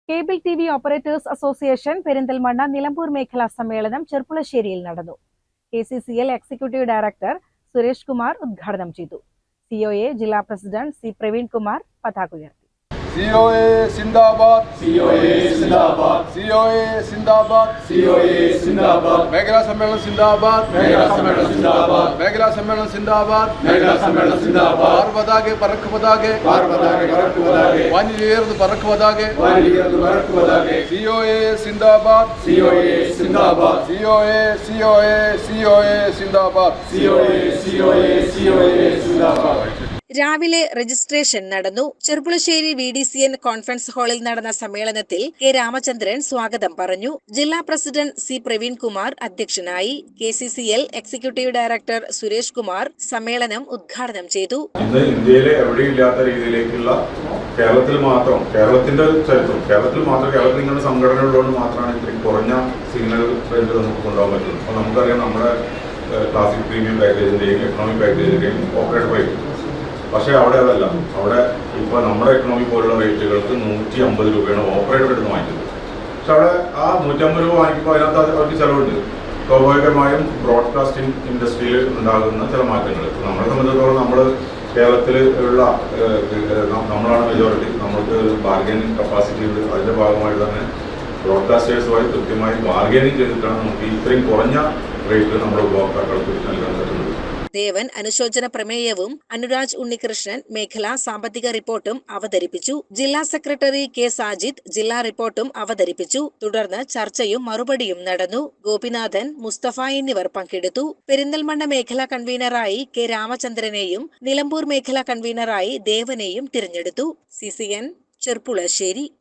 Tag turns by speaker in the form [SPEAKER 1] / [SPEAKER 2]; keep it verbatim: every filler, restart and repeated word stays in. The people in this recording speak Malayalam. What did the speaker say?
[SPEAKER 1] Cable T V operators association Perinthalmanna Nilambur മേഖലാ സമ്മേളനം ചെർപ്പുളശ്ശേരിയിൽ നടന്നു. K C C L executive director Suresh Kumar ഉദ്ഘാടനം ചെയ്തു. സി ഒ എ ജില്ലാ പ്രസിഡന്റ് സി പ്രവീൺ കുമാർ പതാക ഉയർത്തി.
[SPEAKER 2] C O A Sindabad, C O A Sindabad, C O A Sindabad, C O A Sindabad, Meghala Sammelan Sindabad, Meghala Sammelan Sindabad, Meghala Sammelan Sindabad, Meghala Sammelan Sindabad, Parvadage Parakku Padage, Parvadage Parakku Padage, Vaniyerdu Parakku Padage, Vaniyerdu Parakku Padage, C O A Sindabad, C O A Sindabad, C O A C O A C O A Sindabad, C O A C O A C O A Sindabad.
[SPEAKER 1] രാവിലെ രജിസ്ട്രേഷൻ നടന്നു. Cherpulassery V D C N conference ഹാളിൽ നടന്ന സമ്മേളനത്തിൽ കെ രാമചന്ദ്രൻ സ്വാഗതം പറഞ്ഞു. ജില്ലാ പ്രസിഡന്റ് സി പ്രവീൺ കുമാർ അധ്യക്ഷനായി. K C C L executive director Suresh Kumar സമ്മേളനം ഉദ്ഘാടനം ചെയ്തു.
[SPEAKER 3] ഇന്ന് ഇന്ത്യയിലെ എവിടെയില്ലാത്ത രീതിയിലേക്കുള്ള കേരളത്തിൽ മാത്രം കേരളത്തിന്റെ ചരിത്രം കേരളത്തിൽ മാത്രം കേരളത്തിൽ ഇങ്ങനെ സംഘടനകളോട് മാത്രമാണ് ഇത്രയും കുറഞ്ഞ സിഗ്നൽ റേറ്റ് നമുക്ക് കൊണ്ടുപോകാൻ പറ്റുന്നത്. അപ്പോൾ നമുക്കറിയാം നമ്മുടെ ക്ലാസിക് പ്രീമിയം പാക്കേജിന്റെയും എക്കണോമിക് പാക്കേജിന്റെയും ഓപ്പറേറ്റ് റേറ്റ്. പക്ഷേ അവിടെ അതല്ല. അവിടെ ഇപ്പോൾ നമ്മുടെ എക്കണോമി പോലുള്ള റേറ്റുകൾക്ക് നൂറ്റി അമ്പത് രൂപയാണ് ഓപ്പറേറ്റർ എടുത്ത് വാങ്ങിക്കുന്നത്. പക്ഷെ അവിടെ ആ നൂറ്റമ്പത് രൂപ വാങ്ങിക്കുമ്പോൾ അതിനകത്ത് അവർക്ക് ചിലവുണ്ട്. സ്വാഭാവികമായും ബ്രോഡ്കാസ്റ്റിംഗ് ഇൻഡസ്ട്രിയിൽ ഉണ്ടാകുന്ന ചില മാറ്റങ്ങൾ നമ്മളെ സംബന്ധിച്ചിടത്തോളം നമ്മൾ കേരളത്തിൽ ഉള്ള നമ്മളാണ് മെജോറിറ്റി. നമ്മൾക്ക് ബാർഗനിങ് കപ്പാസിറ്റി ഉണ്ട്. അതിൻ്റെ ഭാഗമായിട്ട് തന്നെ ബ്രോഡ്കാസ്റ്റേഴ്സുമായി കൃത്യമായി ബാർഗനിങ് ചെയ്തിട്ടാണ് നമുക്ക് ഇത്രയും കുറഞ്ഞ റേറ്റ് നമ്മുടെ ഉപഭോക്താക്കൾക്ക് നൽകാൻ പറ്റുന്നത്.
[SPEAKER 1] ദേവൻ അനുശോചന പ്രമേയവും അനുരാജ് ഉണ്ണികൃഷ്ണൻ മേഖലാ സാമ്പത്തിക റിപ്പോർട്ടും അവതരിപ്പിച്ചു. ജില്ലാ സെക്രട്ടറി കെ സാജിദ് ജില്ലാ റിപ്പോർട്ടും അവതരിപ്പിച്ചു. തുടർന്ന് ചർച്ചയും മറുപടിയും നടന്നു. ഗോപിനാഥൻ, മുസ്തഫ എന്നിവർ പങ്കെടുത്തു. പെരിന്തൽമണ്ണ മേഖലാ കൺവീനറായി കെ രാമചന്ദ്രനെയും നിലമ്പൂർ മേഖലാ കൺവീനറായി ദേവനെയും തിരഞ്ഞെടുത്തു. C C N Cherpulassery.